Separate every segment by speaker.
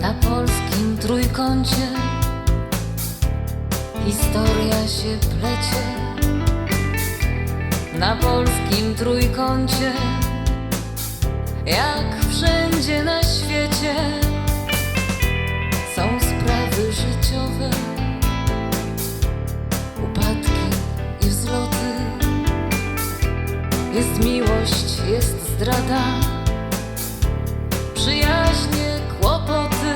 Speaker 1: Na polskim trójkącie historia się plecie. Na polskim trójkącie, jak wszędzie na świecie, są sprawy życiowe, upadki i wzloty. Jest miłość, jest zdrada, przyjaźnie, kłopoty.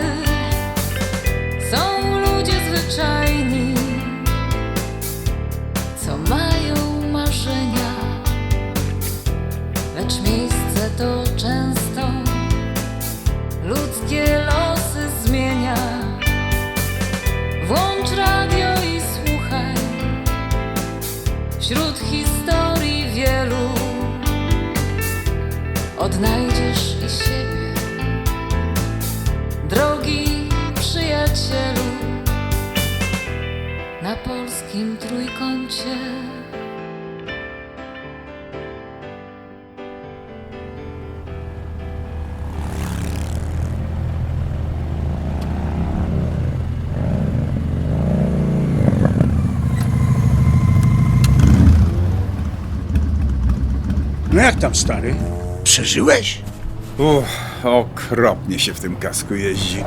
Speaker 1: Są ludzie zwyczajni, co mają marzenia, lecz miejsce to często ludzkie losy zmienia. Włącz radio i słuchaj, wśród historii wielu odnajdziesz i siebie, drogi przyjacielu. Na polskim trójkącie.
Speaker 2: No jak tam, stary? Przeżyłeś?
Speaker 3: Okropnie się w tym kasku jeździ.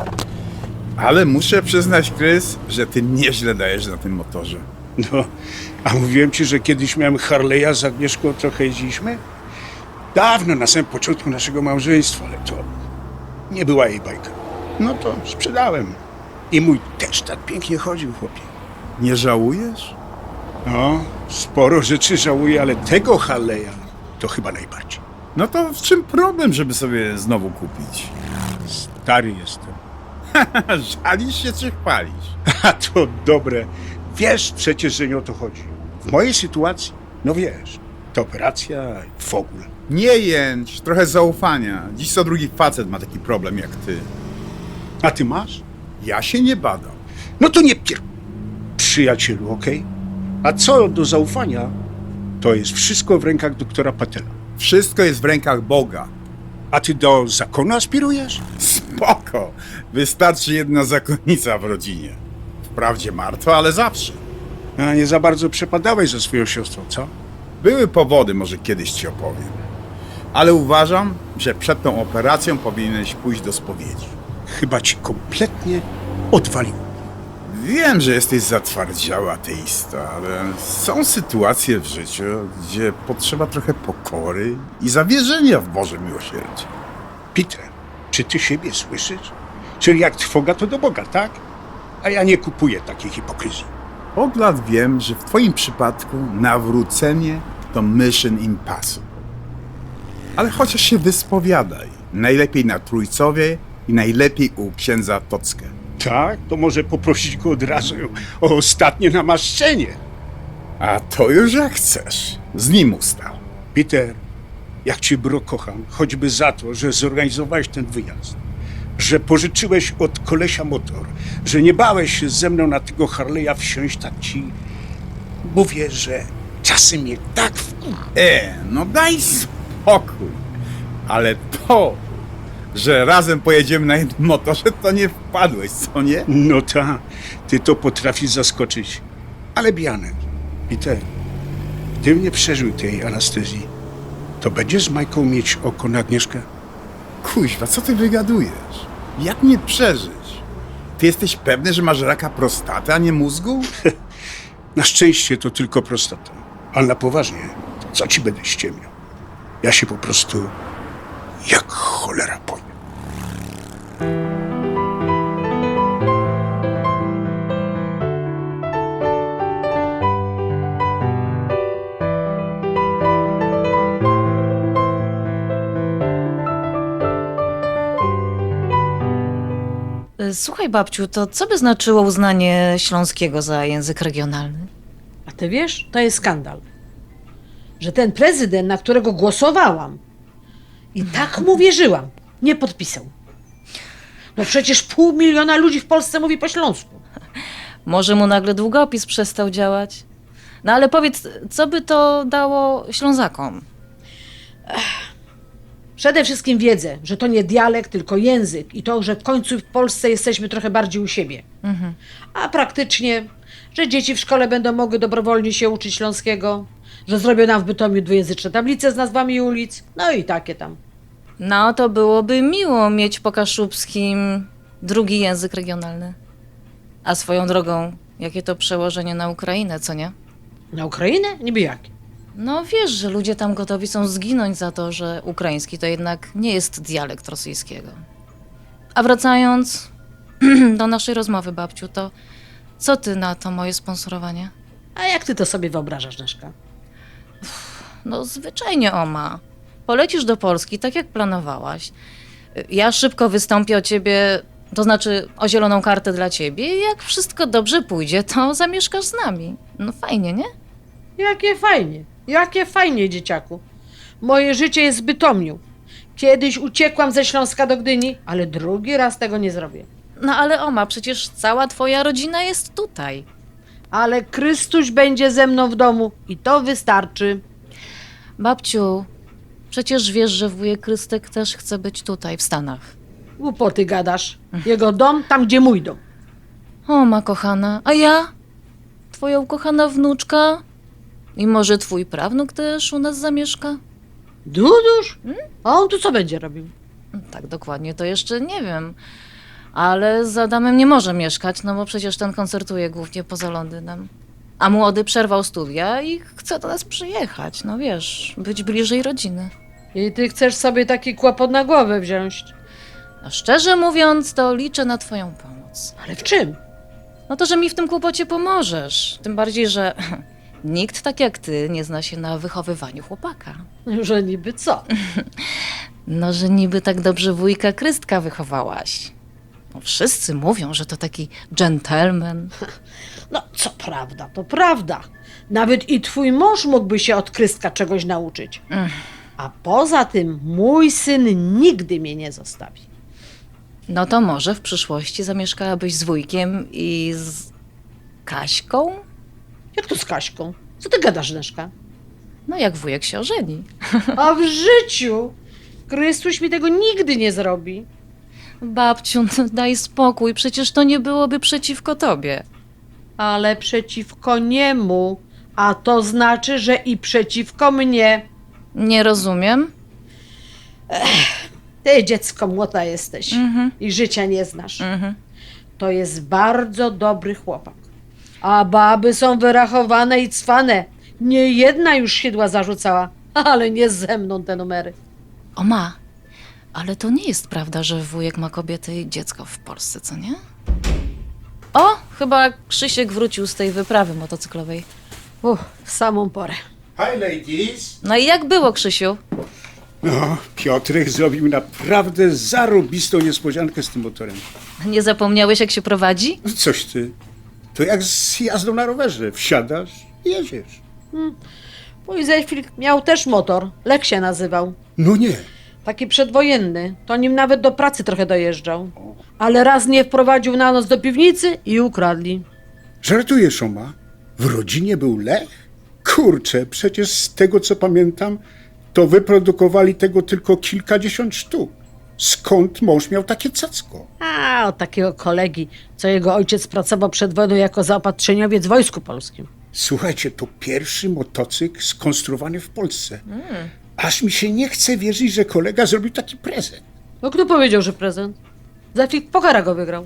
Speaker 3: Ale muszę przyznać, Krys, że ty nieźle dajesz na tym motorze.
Speaker 2: No, a mówiłem ci, że kiedyś miałem Harley'a z Agnieszką, trochę jeździliśmy? Dawno, na samym początku naszego małżeństwa, ale to nie była jej bajka. No to sprzedałem. I mój też tak pięknie chodził, chłopie.
Speaker 3: Nie żałujesz?
Speaker 2: No, sporo rzeczy żałuję, ale tego Harley'a to chyba najbardziej.
Speaker 3: No to w czym problem, żeby sobie znowu kupić?
Speaker 2: Stary jestem.
Speaker 3: Żalisz się czy chwalisz?
Speaker 2: A to dobre. Wiesz przecież, że nie o to chodzi. W mojej sytuacji, no wiesz, to operacja i w ogóle.
Speaker 3: Nie jęcz, trochę zaufania. Dziś co drugi facet ma taki problem jak ty.
Speaker 2: A ty masz?
Speaker 3: Ja się nie badam.
Speaker 2: No to nie przyjacielu, okej? A co do zaufania, to jest wszystko w rękach doktora Patela.
Speaker 3: Wszystko jest w rękach Boga.
Speaker 2: A ty do zakonu aspirujesz?
Speaker 3: Spoko. Wystarczy jedna zakonnica w rodzinie. Wprawdzie martwa, ale zawsze.
Speaker 2: A nie za bardzo przepadałeś ze swoją siostrą, co?
Speaker 3: Były powody, może kiedyś ci opowiem. Ale uważam, że przed tą operacją powinieneś pójść do spowiedzi.
Speaker 2: Chyba ci kompletnie odwalił.
Speaker 3: Wiem, że jesteś zatwardziały ateista, ale są sytuacje w życiu, gdzie potrzeba trochę pokory i zawierzenia w Boże miłosierdzie.
Speaker 2: Peter, czy ty siebie słyszysz? Czyli jak trwoga, to do Boga, tak? A ja nie kupuję takiej hipokryzji.
Speaker 3: Od lat wiem, że w twoim przypadku nawrócenie to mission impossible. Ale chociaż się wyspowiadaj. Najlepiej na Trójcowie i najlepiej u księdza Tockę.
Speaker 2: Tak? To może poprosić go od razu o ostatnie namaszczenie.
Speaker 3: A to już jak chcesz. Z nim ustal.
Speaker 2: Peter, jak cię, bro, kocham, choćby za to, że zorganizowałeś ten wyjazd, że pożyczyłeś od kolesia motor, że nie bałeś się ze mną na tego Harley'a wsiąść, tak ci mówię, że czasem mnie tak
Speaker 3: No daj spokój. Ale to, że razem pojedziemy na jednym motorze, to nie wpadłeś, co nie?
Speaker 2: No ta, ty to potrafisz zaskoczyć. Ale Bianek, Peter, gdybym nie przeżył tej anestezji, to będziesz z Majką mieć oko na Agnieszkę?
Speaker 3: Kuźwa, co ty wygadujesz? Jak mnie przeżyć? Ty jesteś pewny, że masz raka prostaty, a nie mózgu?
Speaker 2: Na szczęście to tylko prostata. Ale na poważnie, to co ci będę ściemniał? Ja się po prostu jak cholera boję.
Speaker 1: Słuchaj, babciu, to co by znaczyło uznanie śląskiego za język regionalny?
Speaker 4: A ty wiesz, to jest skandal. Że ten prezydent, na którego głosowałam i tak mu wierzyłam, nie podpisał. No przecież 500 000 ludzi w Polsce mówi po śląsku.
Speaker 1: Może mu nagle długopis przestał działać? No ale powiedz, co by to dało Ślązakom?
Speaker 4: Przede wszystkim wiedzę, że to nie dialekt, tylko język i to, że w końcu w Polsce jesteśmy trochę bardziej u siebie. A praktycznie, że dzieci w szkole będą mogły dobrowolnie się uczyć śląskiego, że zrobią nam w Bytomiu dwujęzyczne tablice z nazwami ulic, no i takie tam.
Speaker 1: No to byłoby miło mieć po kaszubskim drugi język regionalny. A swoją drogą, jakie to przełożenie na Ukrainę, co nie?
Speaker 4: Na Ukrainę? Niby jakie?
Speaker 1: No wiesz, że ludzie tam gotowi są zginąć za to, że ukraiński to jednak nie jest dialekt rosyjskiego. A wracając do naszej rozmowy, babciu, to co ty na to moje sponsorowanie?
Speaker 4: A jak ty to sobie wyobrażasz, Neszka?
Speaker 1: No zwyczajnie, Oma. Polecisz do Polski, tak jak planowałaś. Ja szybko wystąpię o ciebie, to znaczy o zieloną kartę dla ciebie i jak wszystko dobrze pójdzie, to zamieszkasz z nami. No fajnie, nie?
Speaker 4: Jakie fajnie, dzieciaku. Moje życie jest w Bytomiu. Kiedyś uciekłam ze Śląska do Gdyni, ale drugi raz tego nie zrobię.
Speaker 1: No ale Oma, przecież cała twoja rodzina jest tutaj.
Speaker 4: Ale Chrystuś będzie ze mną w domu i to wystarczy.
Speaker 1: Babciu, przecież wiesz, że wujek Krystek też chce być tutaj, w Stanach.
Speaker 4: Głupoty gadasz. Jego dom tam, gdzie mój dom.
Speaker 1: O, ma kochana, a ja? Twoja ukochana wnuczka? I może twój prawnuk też u nas zamieszka?
Speaker 4: Duduś? A on tu co będzie robił?
Speaker 1: Tak dokładnie to jeszcze nie wiem. Ale z Adamem nie może mieszkać, no bo przecież ten koncertuje głównie poza Londynem. A młody przerwał studia i chce do nas przyjechać, no wiesz, być bliżej rodziny.
Speaker 4: I ty chcesz sobie taki kłopot na głowę wziąć.
Speaker 1: No szczerze mówiąc, to liczę na twoją pomoc.
Speaker 4: Ale w czym?
Speaker 1: No to, że mi w tym kłopocie pomożesz. Tym bardziej, że nikt tak jak ty nie zna się na wychowywaniu chłopaka.
Speaker 4: Że niby co?
Speaker 1: No, że niby tak dobrze wujka Krystka wychowałaś. No, wszyscy mówią, że to taki dżentelmen.
Speaker 4: No, co prawda, to prawda. Nawet i twój mąż mógłby się od Krystka czegoś nauczyć. A poza tym mój syn nigdy mnie nie zostawi.
Speaker 1: No to może w przyszłości zamieszkałabyś z wujkiem i z Kaśką?
Speaker 4: Jak to z Kaśką? Co ty gadasz, Neszka?
Speaker 1: No jak wujek się ożeni.
Speaker 4: A w życiu Chrystuś mi tego nigdy nie zrobi.
Speaker 1: Babciu, no daj spokój, przecież to nie byłoby przeciwko tobie.
Speaker 4: Ale przeciwko niemu, a to znaczy, że i przeciwko mnie.
Speaker 1: Nie rozumiem.
Speaker 4: Ty, dziecko młota jesteś i życia nie znasz. To jest bardzo dobry chłopak. A baby są wyrachowane i cwane. Nie jedna już siedła zarzucała, ale nie ze mną te numery.
Speaker 1: O ma, ale to nie jest prawda, że wujek ma kobietę i dziecko w Polsce, co nie? O, chyba Krzysiek wrócił z tej wyprawy motocyklowej.
Speaker 4: W samą porę.
Speaker 2: Hi ladies!
Speaker 1: No i jak było, Krzysiu?
Speaker 2: No, Piotrek zrobił naprawdę zarobistą niespodziankę z tym motorem.
Speaker 1: Nie zapomniałeś, jak się prowadzi?
Speaker 2: Coś ty, to jak z jazdą na rowerze. Wsiadasz i jedziesz.
Speaker 4: Mój Zefil miał też motor, Lek się nazywał.
Speaker 2: No nie.
Speaker 4: Taki przedwojenny, to nim nawet do pracy trochę dojeżdżał. Ale raz nie wprowadził na noc do piwnicy i ukradli.
Speaker 2: Żartujesz, Oma? W rodzinie był Lech? Kurczę, przecież z tego co pamiętam, to wyprodukowali tego tylko kilkadziesiąt sztuk. Skąd mąż miał takie cacko?
Speaker 4: A, od takiego kolegi, co jego ojciec pracował przed wojną jako zaopatrzeniowiec w Wojsku Polskim.
Speaker 2: Słuchajcie, to pierwszy motocykl skonstruowany w Polsce. Aż mi się nie chce wierzyć, że kolega zrobił taki prezent.
Speaker 4: No kto powiedział, że prezent? Zefil Pokara go wygrał.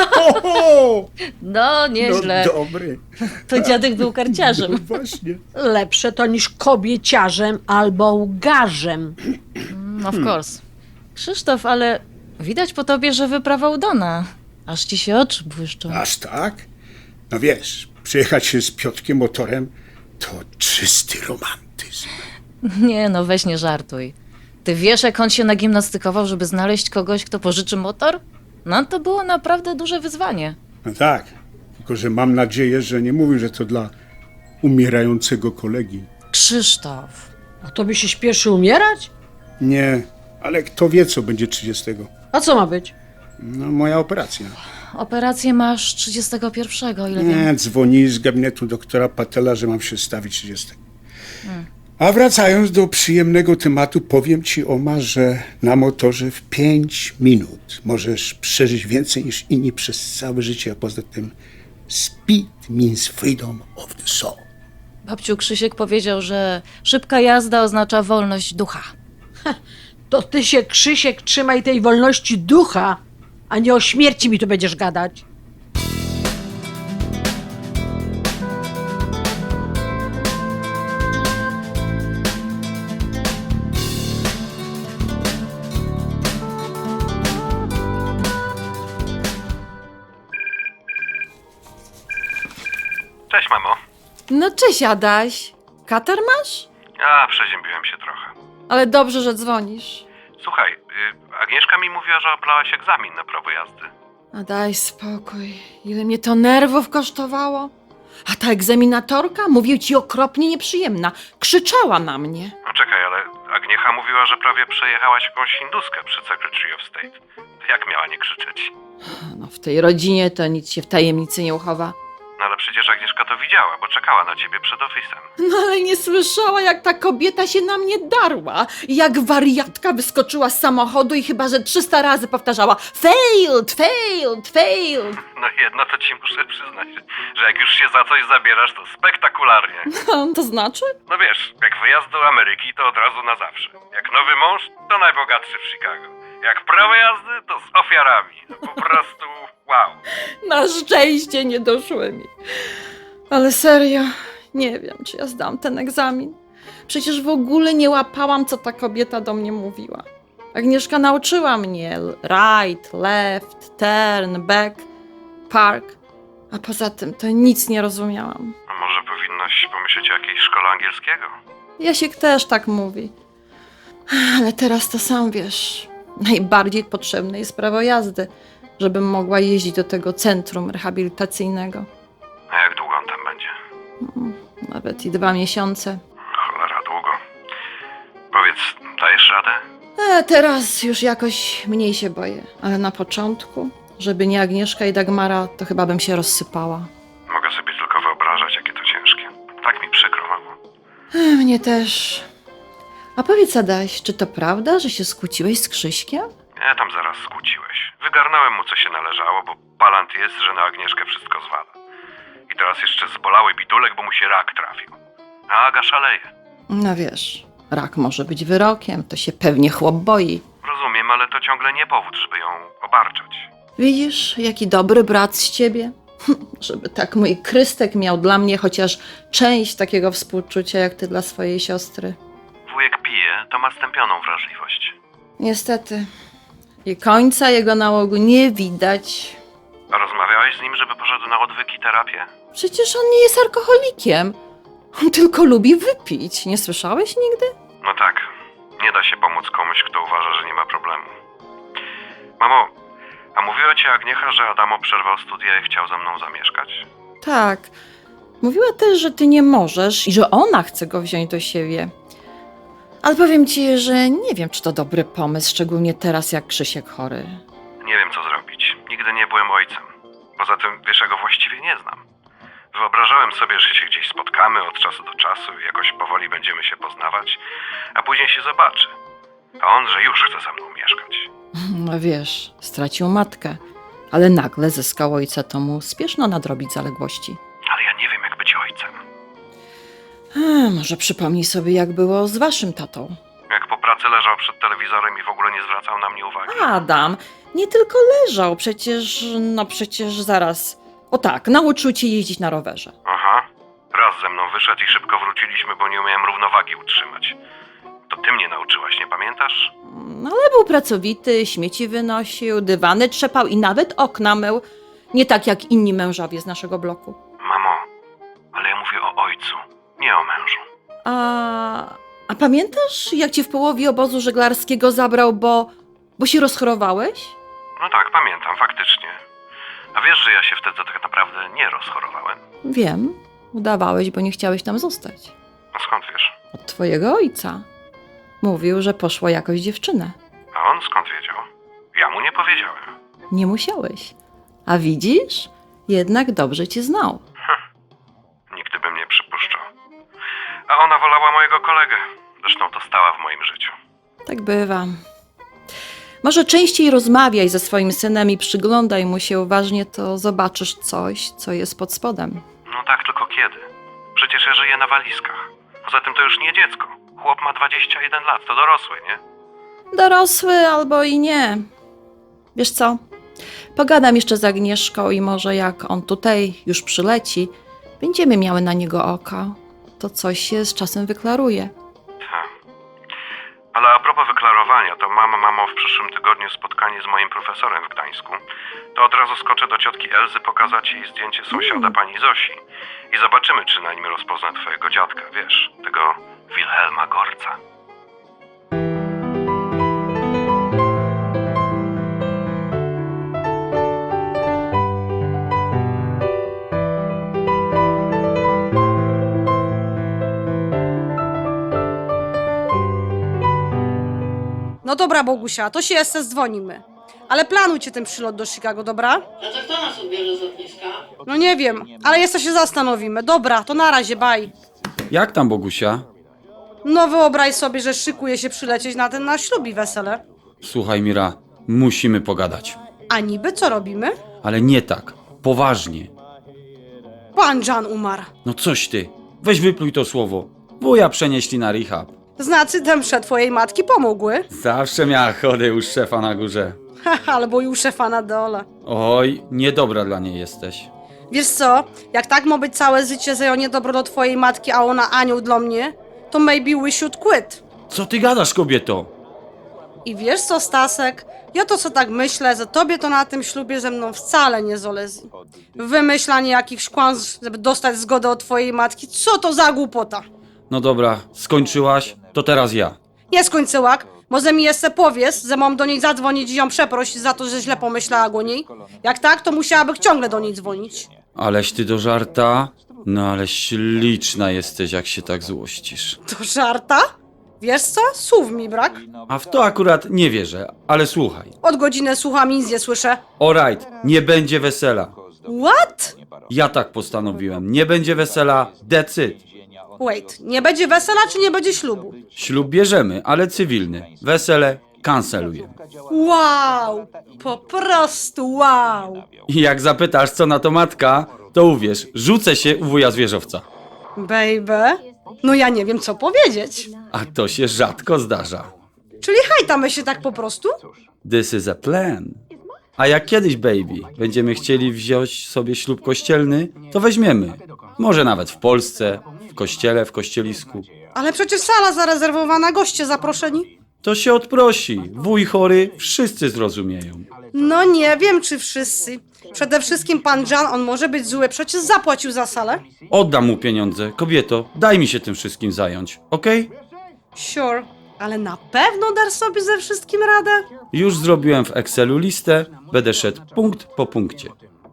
Speaker 2: Oho!
Speaker 1: No, nieźle.
Speaker 2: No dobry.
Speaker 1: To dziadek był
Speaker 2: No
Speaker 1: karciarzem.
Speaker 2: właśnie.
Speaker 4: Lepsze to niż kobieciarzem albo łgarzem.
Speaker 1: Of course. Krzysztof, ale widać po tobie, że wyprawa udana. Aż ci się oczy błyszczą.
Speaker 2: Aż tak? No wiesz, przyjechać się z Piotrkiem motorem to czysty romantyzm.
Speaker 1: Nie no, weź nie żartuj. Ty wiesz, jak on się nagimnastykował, żeby znaleźć kogoś, kto pożyczy motor? No to było naprawdę duże wyzwanie.
Speaker 2: No tak, tylko że mam nadzieję, że nie mówił, że to dla umierającego kolegi.
Speaker 1: Krzysztof.
Speaker 4: A to by się śpieszy umierać?
Speaker 2: Nie, ale kto wie, co będzie 30.
Speaker 4: A co ma być?
Speaker 2: No moja operacja.
Speaker 1: Operację masz 31, o ile wiem.
Speaker 2: Nie, dzwoni z gabinetu doktora Patela, że mam się stawić 30. A wracając do przyjemnego tematu, powiem ci, Oma, że na motorze w 5 minut możesz przeżyć więcej niż inni przez całe życie, a poza tym speed means freedom of the soul.
Speaker 1: Babciu, Krzysiek powiedział, że szybka jazda oznacza wolność ducha.
Speaker 4: To ty się, Krzysiek, trzymaj tej wolności ducha, a nie o śmierci mi tu będziesz gadać.
Speaker 5: Cześć, mamo.
Speaker 6: No cześć, Adaś. Katar masz?
Speaker 5: Przeziębiłem się trochę.
Speaker 6: Ale dobrze, że dzwonisz.
Speaker 5: Słuchaj, Agnieszka mi mówiła, że oblałaś egzamin na prawo jazdy.
Speaker 6: A daj spokój. Ile mnie to nerwów kosztowało. A ta egzaminatorka, mówię ci, okropnie nieprzyjemna. Krzyczała na mnie.
Speaker 5: No czekaj, ale Agniecha mówiła, że prawie przejechałaś jakąś hinduskę przy Secretary of State. Jak miała nie krzyczeć?
Speaker 6: No w tej rodzinie to nic się w tajemnicy nie uchowa.
Speaker 5: No ale przecież Agnieszka to widziała, bo czekała na ciebie przed ofisem.
Speaker 6: No ale nie słyszała, jak ta kobieta się na mnie darła. Jak wariatka wyskoczyła z samochodu i chyba, że 300 razy powtarzała failed, failed, failed.
Speaker 5: No jedno to ci muszę przyznać, że jak już się za coś zabierasz, to spektakularnie.
Speaker 6: To znaczy?
Speaker 5: No wiesz, jak wyjazd do Ameryki, to od razu na zawsze. Jak nowy mąż, to najbogatszy w Chicago. Jak prawo jazdy, to z ofiarami. No po prostu wow.
Speaker 6: Na szczęście nie doszły mi. Ale serio, nie wiem, czy ja zdam ten egzamin. Przecież w ogóle nie łapałam, co ta kobieta do mnie mówiła. Agnieszka nauczyła mnie right, left, turn, back, park. A poza tym to nic nie rozumiałam.
Speaker 5: A może powinnaś pomyśleć o jakiejś szkole angielskiego?
Speaker 6: Jasiek też tak mówi. Ale teraz to sam wiesz. Najbardziej potrzebne jest prawo jazdy, żebym mogła jeździć do tego centrum rehabilitacyjnego.
Speaker 5: A jak długo on tam będzie?
Speaker 6: Nawet i 2 miesiące.
Speaker 5: Cholera, długo. Powiedz, dajesz radę?
Speaker 6: Teraz już jakoś mniej się boję, ale na początku, żeby nie Agnieszka i Dagmara, to chyba bym się rozsypała.
Speaker 5: Mogę sobie tylko wyobrażać, jakie to ciężkie. Tak mi przykro, mamo.
Speaker 6: Mnie też. A powiedz, Adaś, czy to prawda, że się skłóciłeś z Krzyśkiem?
Speaker 5: Nie, tam zaraz skłóciłeś. Wygarnąłem mu, co się należało, bo palant jest, że na Agnieszkę wszystko zwala. I teraz jeszcze zbolały bidulek, bo mu się rak trafił. A Aga szaleje.
Speaker 6: No wiesz, rak może być wyrokiem, to się pewnie chłop boi.
Speaker 5: Rozumiem, ale to ciągle nie powód, żeby ją obarczać.
Speaker 6: Widzisz, jaki dobry brat z ciebie? Żeby tak mój Krystek miał dla mnie chociaż część takiego współczucia, jak ty dla swojej siostry.
Speaker 5: Wujek pije, to ma stępioną wrażliwość.
Speaker 6: Niestety. I końca jego nałogu nie widać.
Speaker 5: A rozmawiałeś z nim, żeby poszedł na odwyk i terapię?
Speaker 6: Przecież on nie jest alkoholikiem. On tylko lubi wypić. Nie słyszałeś nigdy?
Speaker 5: No tak, nie da się pomóc komuś, kto uważa, że nie ma problemu. Mamo, a mówiła ci Agniecha, że Adamo przerwał studia i chciał ze mną zamieszkać?
Speaker 6: Tak. Mówiła też, że ty nie możesz i że ona chce go wziąć do siebie. Ale powiem ci, że nie wiem, czy to dobry pomysł, szczególnie teraz, jak Krzysiek chory.
Speaker 5: Nie wiem, co zrobić. Nigdy nie byłem ojcem. Poza tym, wiesz, ja go właściwie nie znam. Wyobrażałem sobie, że się gdzieś spotkamy od czasu do czasu i jakoś powoli będziemy się poznawać, a później się zobaczy. A on, że już chce ze mną mieszkać.
Speaker 6: No wiesz, stracił matkę, ale nagle zyskał ojca, to mu spieszno nadrobić zaległości.
Speaker 5: Ale ja nie wiem, jak być ojcem.
Speaker 6: Może przypomnij sobie, jak było z waszym tatą.
Speaker 5: Jak po pracy leżał przed telewizorem i w ogóle nie zwracał na mnie uwagi.
Speaker 6: Adam, nie tylko leżał, przecież zaraz. O tak, nauczył cię jeździć na rowerze.
Speaker 5: Aha. Raz ze mną wyszedł i szybko wróciliśmy, bo nie umiałem równowagi utrzymać. To ty mnie nauczyłaś, nie pamiętasz?
Speaker 6: Ale był pracowity, śmieci wynosił, dywany trzepał i nawet okna mył. Nie tak jak inni mężowie z naszego bloku.
Speaker 5: Mamo, ale ja mówię o ojcu, nie o mężu.
Speaker 6: A pamiętasz, jak cię w połowie obozu żeglarskiego zabrał, bo się rozchorowałeś?
Speaker 5: No tak, pamiętam, faktycznie. A wiesz, że ja się wtedy tak naprawdę nie rozchorowałem?
Speaker 6: Wiem, udawałeś, bo nie chciałeś tam zostać.
Speaker 5: A skąd wiesz?
Speaker 6: Od twojego ojca. Mówił, że poszła jakoś dziewczynę.
Speaker 5: A on skąd wiedział? Ja mu nie powiedziałem.
Speaker 6: Nie musiałeś. A widzisz? Jednak dobrze cię znał.
Speaker 5: Nigdy bym nie przypuszczał. A ona wolała mojego kolegę.
Speaker 6: Tak bywa. Może częściej rozmawiaj ze swoim synem i przyglądaj mu się uważnie, to zobaczysz coś, co jest pod spodem.
Speaker 5: No tak, tylko kiedy? Przecież ja żyję na walizkach. Poza tym to już nie dziecko. Chłop ma 21 lat, to dorosły, nie?
Speaker 6: Dorosły albo i nie. Wiesz co? Pogadam jeszcze z Agnieszką i może jak on tutaj już przyleci, będziemy miały na niego oko. To coś się z czasem wyklaruje.
Speaker 5: Ale a propos wyklarowania, to mamo, w przyszłym tygodniu spotkanie z moim profesorem w Gdańsku. To od razu skoczę do ciotki Elzy pokazać jej zdjęcie sąsiada pani Zosi. I zobaczymy, czy na nim rozpozna twojego dziadka, wiesz, tego Wilhelma Gorca.
Speaker 7: No dobra, Bogusia, to się jeszcze dzwonimy. Ale planujcie ten przylot do Chicago, dobra?
Speaker 8: A to kto nas odbierze z lotniska?
Speaker 7: No nie wiem, ale jeszcze się zastanowimy. Dobra, to na razie, bye.
Speaker 9: Jak tam, Bogusia?
Speaker 7: No wyobraź sobie, że szykuje się przylecieć na ten nasz ślub i wesele.
Speaker 9: Słuchaj, Mira, musimy pogadać.
Speaker 7: A niby co robimy?
Speaker 9: Ale nie tak, poważnie.
Speaker 7: Pan Jan umarł.
Speaker 9: No coś ty, weź wypluj to słowo. Wuja przenieśli na rehab.
Speaker 7: Znaczy, te msze twojej matki pomogły.
Speaker 9: Zawsze miała chodę u szefa na górze.
Speaker 7: Albo i u szefa na dole.
Speaker 9: Oj, niedobra dla niej jesteś.
Speaker 7: Wiesz co, jak tak ma być całe życie, że ja niedobro do twojej matki, a ona anioł dla mnie, to maybe we should quit.
Speaker 9: Co ty gadasz, kobieto?
Speaker 7: I wiesz co, Stasek? Ja to co tak myślę, że tobie to na tym ślubie ze mną wcale nie zależy. Wymyślanie jakichś kłamstw, żeby dostać zgodę od twojej matki, co to za głupota?
Speaker 9: No dobra, skończyłaś, to teraz ja.
Speaker 7: Nie skończyłak, może mi jeszcze powiesz, że mam do niej zadzwonić i ją przeprosić za to, że źle pomyślała o niej? Jak tak, to musiałabym ciągle do niej dzwonić.
Speaker 9: Aleś ty do żarta? No ale śliczna jesteś, jak się tak złościsz.
Speaker 7: To żarta? Wiesz co? Słów mi brak.
Speaker 9: A w to akurat nie wierzę, ale słuchaj.
Speaker 7: Od godziny słucham i nic nie słyszę.
Speaker 9: Alright, nie będzie wesela.
Speaker 7: What?
Speaker 9: Ja tak postanowiłem. Nie będzie wesela, that's it.
Speaker 7: Wait, nie będzie wesela czy nie będzie ślubu?
Speaker 9: Ślub bierzemy, ale cywilny. Wesele kancelujemy.
Speaker 7: Wow! Po prostu wow!
Speaker 9: I jak zapytasz, co na to matka, to uwierz, rzucę się u wuja zwierzowca.
Speaker 7: Baby? No ja nie wiem co powiedzieć.
Speaker 9: A to się rzadko zdarza.
Speaker 7: Czyli hajtamy się tak po prostu?
Speaker 9: This is a plan. A jak kiedyś, baby, będziemy chcieli wziąć sobie ślub kościelny, to weźmiemy. Może nawet w Polsce, w kościele, w kościelisku.
Speaker 7: Ale przecież sala zarezerwowana, goście zaproszeni.
Speaker 9: To się odprosi. Wuj chory, wszyscy zrozumieją.
Speaker 7: No nie wiem czy wszyscy. Przede wszystkim pan Jan, on może być zły, przecież zapłacił za salę.
Speaker 9: Oddam mu pieniądze. Kobieto, daj mi się tym wszystkim zająć, okej?
Speaker 7: Sure, ale na pewno dasz sobie ze wszystkim radę?
Speaker 9: Już zrobiłem w Excelu listę, będę szedł punkt po punkcie.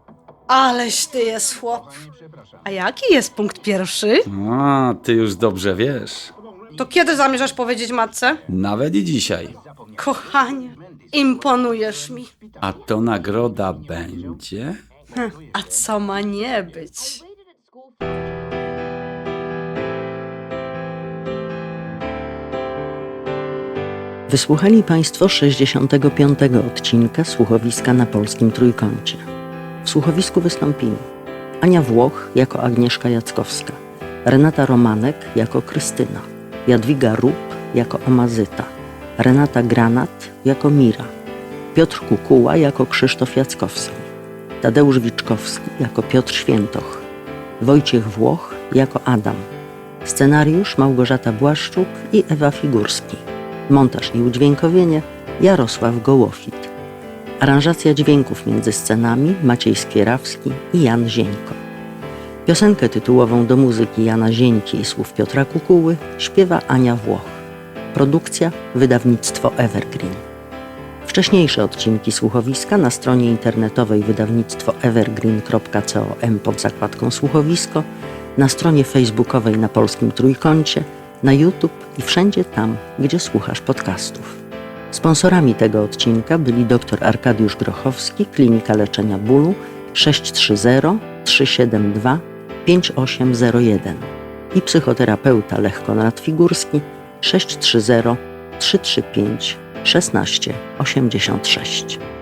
Speaker 7: Aleś ty jest chłop. A jaki jest punkt pierwszy?
Speaker 9: A, ty już dobrze wiesz.
Speaker 7: To kiedy zamierzasz powiedzieć matce?
Speaker 9: Nawet i dzisiaj.
Speaker 7: Kochanie, imponujesz mi.
Speaker 9: A to nagroda będzie?
Speaker 7: A co ma nie być?
Speaker 10: Wysłuchali Państwo 65. odcinka Słuchowiska na Polskim Trójkącie. W słuchowisku wystąpili Ania Włoch jako Agnieszka Jackowska, Renata Romanek jako Krystyna, Jadwiga Rup jako Omazyta, Renata Granat jako Mira, Piotr Kukuła jako Krzysztof Jackowski, Tadeusz Wiczkowski jako Piotr Świętoch, Wojciech Włoch jako Adam, scenariusz Małgorzata Błaszczuk i Ewa Figurski, montaż i udźwiękowienie Jarosław Gołofit, aranżacja dźwięków między scenami Maciej Skierawski i Jan Zieńko. Piosenkę tytułową do muzyki Jana Zieńki i słów Piotra Kukuły śpiewa Ania Włoch. Produkcja wydawnictwo Evergreen. Wcześniejsze odcinki słuchowiska na stronie internetowej wydawnictwo evergreen.com pod zakładką słuchowisko, na stronie facebookowej na Polskim Trójkącie, na YouTube i wszędzie tam, gdzie słuchasz podcastów. Sponsorami tego odcinka byli dr Arkadiusz Grochowski, Klinika Leczenia Bólu 630 372 5801 i psychoterapeuta Lech Konrad Figurski 630 335 16 86.